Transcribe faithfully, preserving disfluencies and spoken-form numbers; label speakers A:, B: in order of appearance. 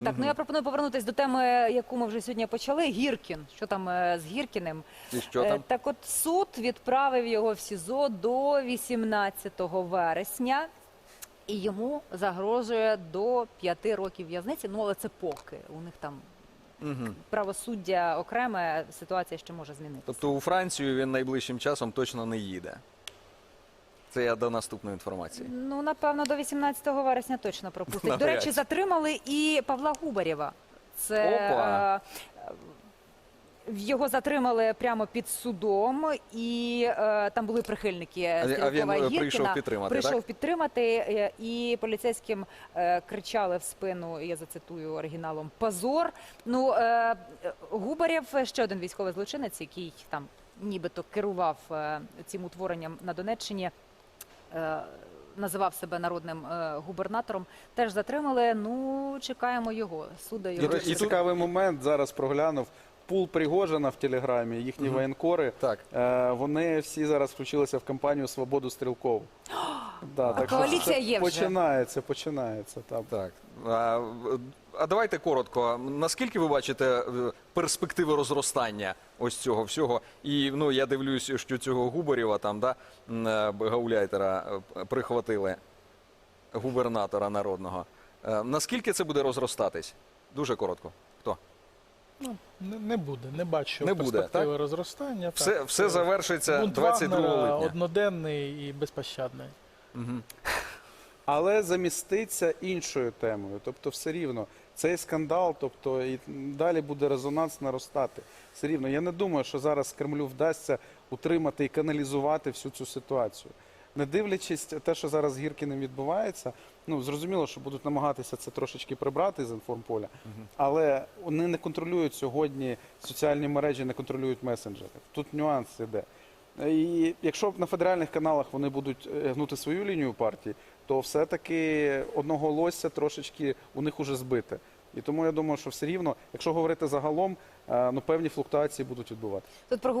A: Так, ну я пропоную повернутися до теми, яку ми вже сьогодні почали. Гіркін. Що там е, з Гіркіним?
B: І що там?
A: Е, Так от суд відправив його в СІЗО до вісімнадцятого вересня. І йому загрожує до п'яти років в'язниці. Ну, але це поки. У них там
B: Угу.
A: правосуддя окреме, ситуація ще може змінитися.
B: Тобто у Францію він найближчим часом точно не їде. Це я до наступної інформації.
A: Ну, напевно, до вісімнадцятого вересня точно пропустить. До
B: Навряд
A: речі,
B: чи.
A: затримали і Павла Губарєва. Це
B: Опа.
A: е, його затримали прямо під судом, і е, там були прихильники
B: А він
A: Стрілкова і Гіркіна.
B: прийшов підтримати,
A: Прийшов
B: так?
A: підтримати, е, і поліцейським е, кричали в спину, я зацитую оригіналом, «Позор». Ну, е, Губарєв – ще один військовий злочинець, який там нібито керував е, цим утворенням на Донеччині, е, називав себе народним е, губернатором, теж затримали. Ну, чекаємо його, суда
C: І,
A: його.
C: і цікавий момент, зараз проглянув, пул Пригожина в Телеграмі, їхні
B: Мгм.
C: воєнкори,
B: Так.
C: е, вони всі зараз включилися в кампанію «Свободу Стрілкову». Да, так що
A: коаліція
C: це
A: є вже.
C: Починається, починається. Там.
B: Так. А, в- а давайте коротко. Наскільки ви бачите е, перспективи розростання ось цього всього? І ну, я дивлюсь, що цього Губарєва, там, да, м, е, гауляйтера, е, прихватили губернатора народного. Е, Наскільки це буде розростатись? Дуже коротко. Хто?
D: Ну, не, не буде, не бачу
B: Не буде,
D: перспективи
B: так?
D: розростання.
B: Все,
D: так.
B: все завершиться
D: Бунт
B: двадцять другого
D: Вагнера
B: липня.
D: одноденний і безпощадний.
B: Мгм.
C: Але заміститься іншою темою. Тобто все рівно цей скандал, тобто і далі буде резонанс наростати. Все рівно. Я не думаю, що зараз Кремлю вдасться утримати і каналізувати всю цю ситуацію. Не дивлячись те, що зараз з Гіркіним відбувається, ну зрозуміло, що будуть намагатися це трошечки прибрати з інформполя, але вони не контролюють сьогодні соціальні мережі, не контролюють месенджери. Тут нюанс іде. І якщо на федеральних каналах вони будуть е, гнути свою лінію партії, то все-таки одноголосся трошечки у них уже збите. І тому я думаю, що все рівно, якщо говорити загалом, е, ну певні флуктуації будуть відбуватися.
A: Тут про